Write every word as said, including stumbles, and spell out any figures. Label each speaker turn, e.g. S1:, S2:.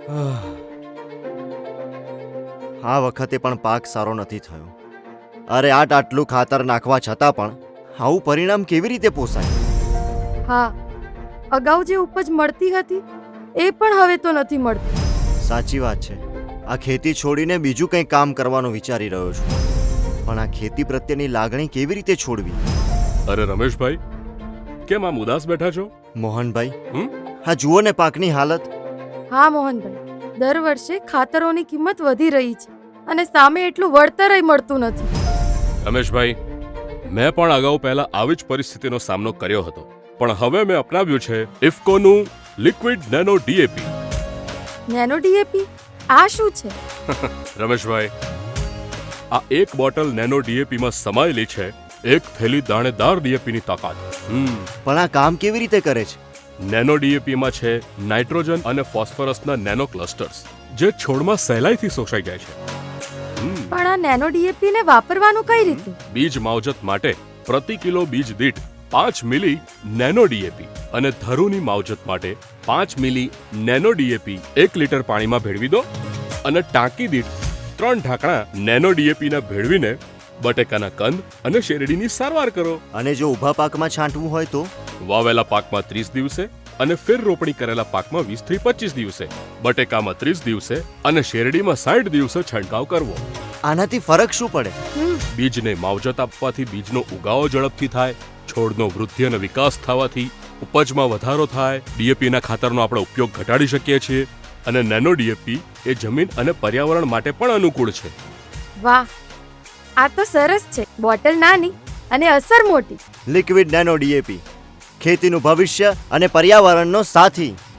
S1: આ વખતે પણ પાક સારો નથી થયો. અરે આટ આટલું ખાતર નાખવા છતાં પણ આવું પરિણામ કેવી રીતે પોસાય?
S2: હા, અગાઉ જે ઉપજ મળતી હતી એ પણ હવે તો નથી મળતી.
S1: સાચી વાત છે. આ ખેતી છોડીને બીજું કંઈ કામ કરવાનું વિચારી રહ્યો છું, પણ આ ખેતી પ્રત્યેની લાગણી કેવી રીતે છોડવી?
S3: અરે રમેશભાઈ, કેમ આમ ઉદાસ બેઠા છો?
S1: મોહનભાઈ,
S3: હમ?
S1: હા જુઓ ને પાકની હાલત.
S2: હા મોહનભાઈ, દર વર્ષે ખાતરોની કિંમત વધી રહી છે અને સામે એટલું વળતરય મળતું નથી.
S3: રમેશભાઈ, મેં પણ અગાઉ પહેલા આવી જ પરિસ્થિતિનો સામનો કર્યો હતો, પણ હવે મેં અપનાવ્યું છે ઇફકોનું liquid nano DAP.
S2: Nano DAP આ શું છે?
S3: રમેશભાઈ, આ એક બોટલ નેનો ડીએપીમાં સમાયેલી છે એક થેલી દાણેદાર ડીએપીની તાકાત. હમ
S1: પણ આ કામ કેવી રીતે કરે છે?
S3: નેનો ડીએપીમાં છે નાઇટ્રોજન અને ફોસ્ફરસના નેનો ક્લસ્ટર્સ, જે છોડમાં સહેલાઈથી શોષાઈ જાય છે. હમ.
S2: પણ આ નેનો ડીએપી ને વાપરવાનું કઈ રીતે?
S3: બીજ માવજત માટે પ્રતિ કિલો બીજ દીઠ પાંચ મિલી નેનો ડીએપી અને ધરુની માવજત માટે પાંચ મિલી નેનો ડીએપી એક લીટર પાણીમાં ભેળવી દો અને ટાંકી દીઠ ત્રણ ઢાંકણા નેનો ડીએપીના ભેળવીને બટેકાના કંદ અને શેરડીની સારવાર કરો.
S1: અને જો ઊભા પાકમાં છાંટવું હોય તો?
S3: વાવેલા પાકમાં ત્રીસ દિવસે અને ફેર રોપણી કરેલા પાકમાં વીસ થી પચીસ દિવસે, બટેકામાં ત્રીસ દિવસે અને શેરડીમાં સાઠ દિવસે છંટકાવ કરવો.
S1: આનાથી ફરક શું પડે?
S2: હમ,
S3: બીજને માવજત આપવાથી બીજનો ઉગાવો ઝડપથી થાય, છોડનો વૃદ્ધિ અને વિકાસ થવાથી ઉપજમાં વધારો થાય, ડીએપીના ખાતરનો આપણે ઉપયોગ ઘટાડી શકીએ છીએ અને નેનો ડીએપી એ જમીન અને પર્યાવરણ માટે પણ અનુકૂળ છે.
S2: વાહ, આ તો સરસ છે. બોટલ નાની અને અસર મોટી.
S1: લિક્વિડ નેનો ડીએપી, ખેતીનું ભવિષ્ય અને પર્યાવરણનો સાથી.